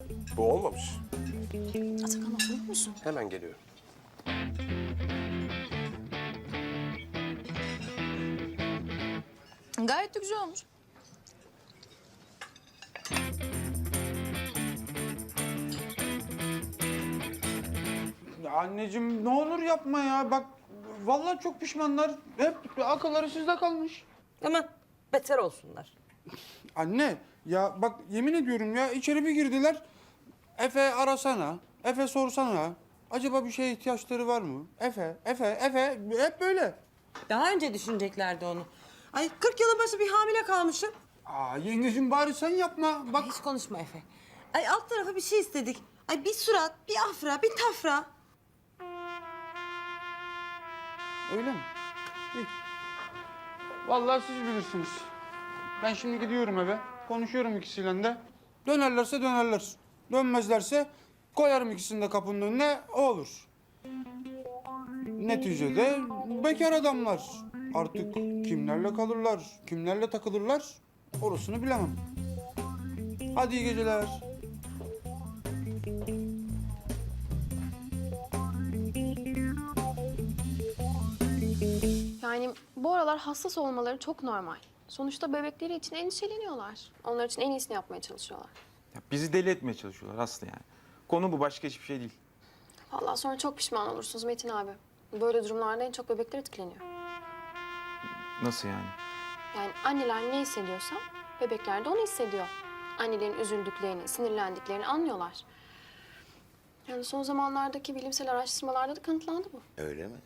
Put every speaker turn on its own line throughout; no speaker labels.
Bu olmamış.
Atakan oturur musun?
Hemen geliyorum.
Gayet de güzel olmuş.
Ya anneciğim ne olur yapma ya. Bak vallahi çok pişmanlar. Hep akılları sizde kalmış.
Aman beter olsunlar.
Anne ya bak yemin ediyorum ya içeri bir girdiler. Efe arasana, Efe sorsana. Acaba bir şeye ihtiyaçları var mı? Efe hep böyle.
Daha önce düşüneceklerdi onu. Ay 40 yılın başı bir hamile kalmışım.
Aa yengeciğim bari sen yapma. Bak
Hiç konuşma Efe. Ay alt tarafa bir şey istedik. Ay bir surat, bir afra, bir tafra.
öyle mi? İyi. Vallahi siz bilirsiniz. Ben şimdi gidiyorum eve. Konuşuyorum ikisiyle de. Dönerlerse dönerler. Dönmezlerse koyarım ikisini de kapının önüne. O olur. Neticede bekar adamlar. Artık kimlerle kalırlar, kimlerle takılırlar orasını bilemem. Hadi iyi geceler.
Yani bu aralar hassas olmaları çok normal. Sonuçta bebekleri için endişeleniyorlar. Onlar için en iyisini yapmaya çalışıyorlar.
Ya bizi deli etmeye çalışıyorlar Aslı yani. Konu bu, başka hiçbir şey değil.
Vallahi sonra çok pişman olursunuz Metin abi. Böyle durumlarda en çok bebekler etkileniyor.
Nasıl yani?
Yani anneler ne hissediyorsa bebekler de onu hissediyor. Annelerin üzüldüklerini, sinirlendiklerini anlıyorlar. Yani son zamanlardaki bilimsel araştırmalarda da kanıtlandı bu.
Öyle mi?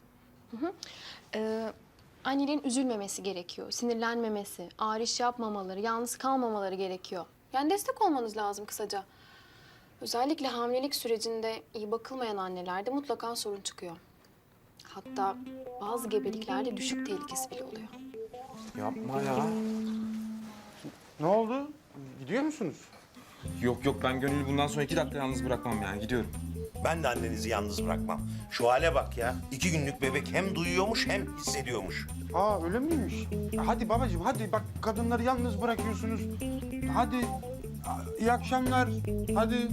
Annelerin üzülmemesi gerekiyor, sinirlenmemesi, ağır iş yapmamaları, yalnız kalmamaları gerekiyor. Yani destek olmanız lazım kısaca. Özellikle hamilelik sürecinde iyi bakılmayan annelerde mutlaka sorun çıkıyor. Hatta bazı gebeliklerde düşük tehlikesi bile oluyor.
Yapma ya.
Ne oldu? Gidiyor musunuz?
Yok ben Gönül'ü bundan sonra 2 dakika yalnız bırakmam yani, gidiyorum.
Ben de annenizi yalnız bırakmam. Şu hale bak ya. 2 günlük bebek hem duyuyormuş hem hissediyormuş.
Aa öyle miymiş? Hadi babacığım hadi bak kadınları yalnız bırakıyorsunuz. Hadi iyi akşamlar. Hadi.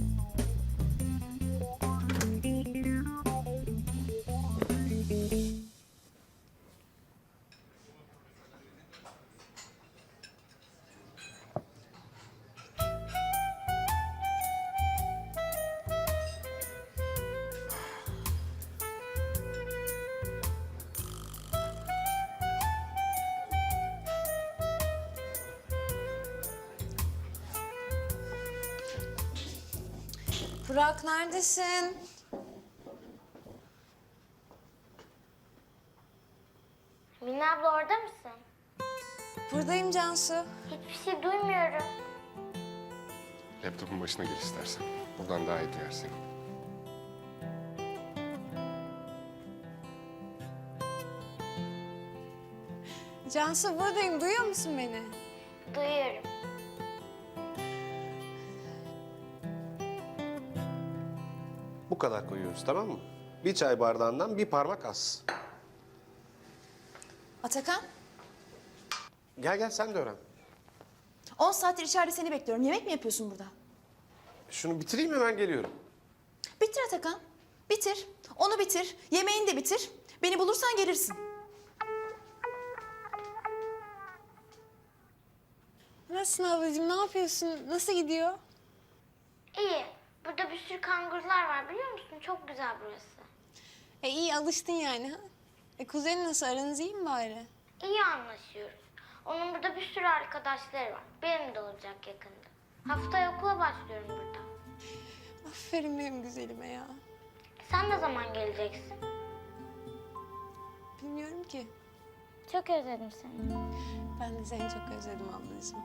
Burak neredesin?
Mine abla orada mısın?
Buradayım Cansu.
Hiçbir şey duymuyorum.
Laptopun başına gel istersen. Buradan daha iyi duyar seni.
Cansu buradayım. Duyuyor musun beni?
Duyuyorum.
Bu kadar koyuyoruz, tamam mı? Bir çay bardağından bir parmak az.
Atakan,
Gel sen de öğren.
10 saattir içeride seni bekliyorum. Yemek mi yapıyorsun burada?
Şunu bitireyim, hemen geliyorum.
Bitir Atakan. Bitir. Onu bitir. Yemeğini de bitir. Beni bulursan gelirsin.
Nasılsın ablacığım? Ne yapıyorsun? Nasıl gidiyor?
İyi. Burada bir sürü kangurlar var biliyor musun? Çok güzel burası.
İyi alıştın yani ha? Kuzenin nasıl? Aranız iyi mi bari?
İyi anlaşıyoruz. Onun burada bir sürü arkadaşları var. Benim de olacak yakında. Haftaya okula başlıyorum burada.
Aferin benim güzelime ya.
Sen ne zaman geleceksin?
Bilmiyorum ki.
Çok özledim seni.
Ben de seni çok özledim ablacığım.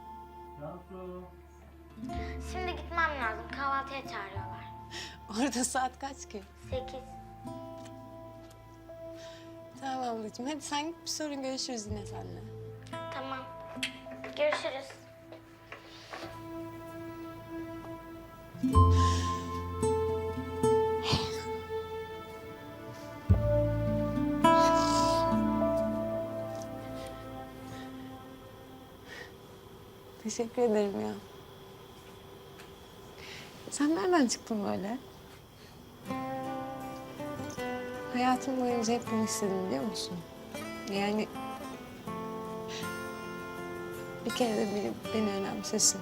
Şimdi gitmem lazım. Kahvaltıya çağırıyorlar.
Orada saat kaç ki?
8.
Tamam ablacığım. Hadi sen git, bir sorun görüşürüz yine seninle.
Tamam. Görüşürüz.
Teşekkür ederim ya. Sen nereden çıktın böyle? Hayatım boyunca hep bunu istedim biliyor musun? Yani bir kere de biri beni önemsesin.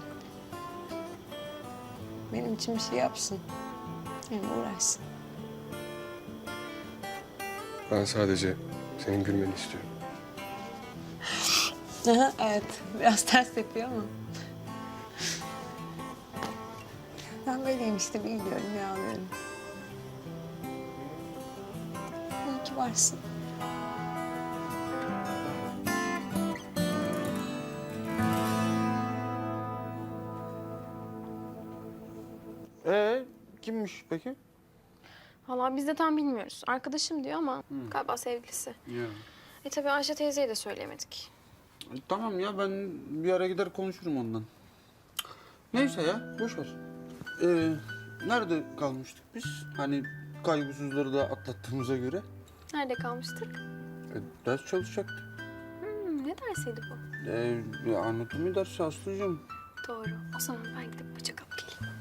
Benim için bir şey yapsın. Yani uğraşsın.
Ben sadece senin gülmeni istiyorum.
Aha, evet, biraz ters yapıyor ama. Ben böyleyim işte, bir gülüyorum, bir ağlıyorum. İyi ki varsın.
Kimmiş peki?
Vallahi biz de tam bilmiyoruz. Arkadaşım diyor ama galiba sevgilisi.
Ya.
Tabii Ayşe teyzeye de söyleyemedik.
Tamam ya, ben bir ara gider konuşurum ondan. Neyse ya, boş ver. Nerede kalmıştık biz? Hani kaygısızları da atlattığımıza göre.
Nerede kalmıştık?
Ders çalışacaktık.
Ne dersiydi bu?
Anatomi dersi Aslı'cığım.
Doğru. O zaman ben gidip bıçak alıp geleyim.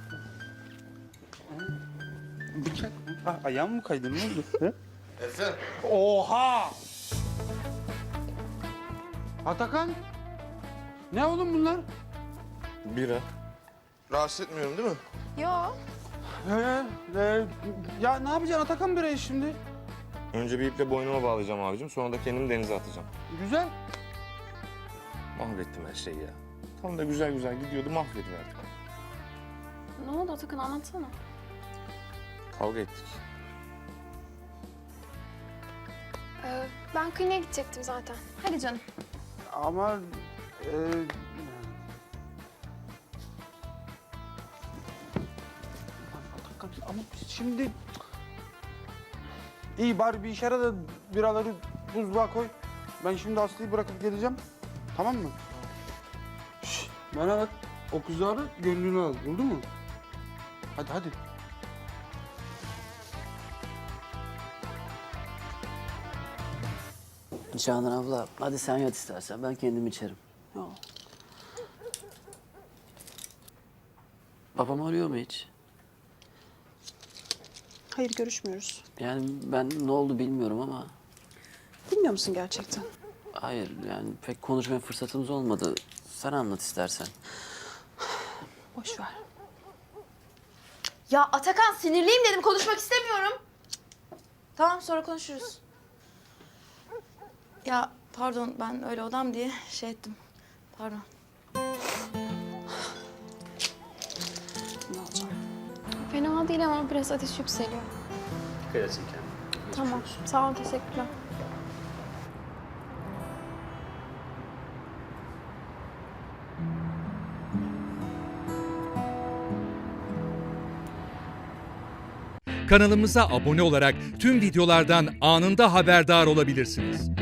Bıçak mı? Ah, ayağım mı kaydı, ne oldu?
Efe.
Oha! Atakan! Ne oğlum bunlar?
Bira. Rahatsız etmiyorum değil mi?
Yo.
Ya ne yapacaksın Atakan birayı şimdi?
Önce bir iple boynuma bağlayacağım abicim. Sonra da kendimi denize atacağım.
Güzel.
Mahvettim her şeyi ya. Tam da güzel güzel gidiyordu, mahvediverdik.
Ne oldu Atakan, anlatsana.
Kavga ettik.
Ben kliniğe gidecektim zaten. Hadi canım.
Ama Atakan, ama biz şimdi iyi bari bir işe yara da biraları buzluğa koy. Ben şimdi Aslı'yı bırakıp geleceğim. Tamam mı? Şişt, bana bak. O kızları gönlünü al. Oldu mu? Hadi hadi.
Canan abla, hadi sen yat istersen. Ben kendim içerim. Yok. Babam arıyor mu hiç?
Hayır, görüşmüyoruz.
Yani ben ne oldu bilmiyorum ama...
Bilmiyor musun gerçekten?
Hayır, yani pek konuşmaya fırsatımız olmadı. Sen anlat istersen.
Boş ver.
Ya Atakan, sinirliyim dedim, konuşmak istemiyorum. Tamam, sonra konuşuruz. Ya pardon, ben öyle odam diye şey ettim. Pardon.
Ne olacak?
Fena değil ama biraz ateş yükseliyor.
Dikkat etsin kendine.
Tamam. Sağ ol, teşekkürler.
Kanalımıza abone olarak tüm videolardan anında haberdar olabilirsiniz.